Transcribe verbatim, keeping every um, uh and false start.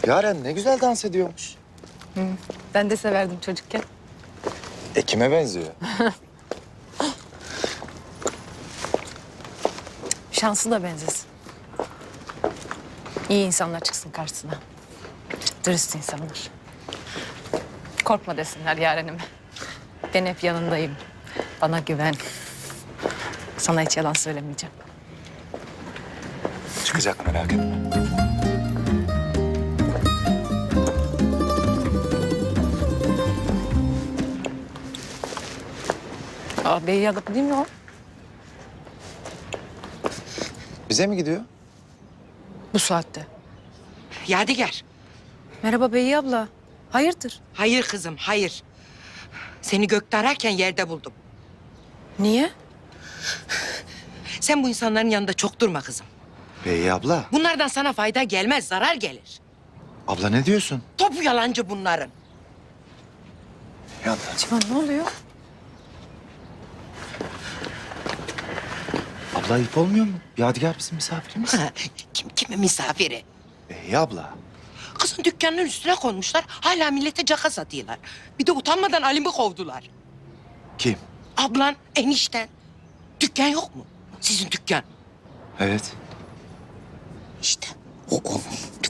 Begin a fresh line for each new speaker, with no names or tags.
Yaren ne güzel dans ediyormuş.
Hı, ben de severdim çocukken.
E kime benziyor?
Şansı da benzesin. İyi insanlar çıksın karşısına. Dürüst insanlar. Korkma desinler Yaren'ime. Ben hep yanındayım. Bana güven. Sana hiç yalan söylemeyeceğim.
Çıkacak merak etme.
Aa, Bey yalıp değil mi o?
Bize mi gidiyor?
Bu saatte.
Yadigar.
Merhaba Bey abla. Hayırdır?
Hayır kızım, hayır. Seni gökte ararken yerde buldum.
Niye?
Sen bu insanların yanında çok durma kızım.
Bey abla.
Bunlardan sana fayda gelmez, zarar gelir.
Abla ne diyorsun?
Topu yalancı bunların.
Ya
Civan ne oluyor?
abla ayıp olmuyor mu? Yadigar bizim misafirimiz.
Kim kimin misafiri?
Bey abla.
Kızın dükkanının üstüne konmuşlar. Hala millete caka satıyorlar. Bir de utanmadan Alim'i kovdular.
Kim?
Ablan, enişten. Dükkan yok mu? Sizin dükkan.
Evet.
İşte o onun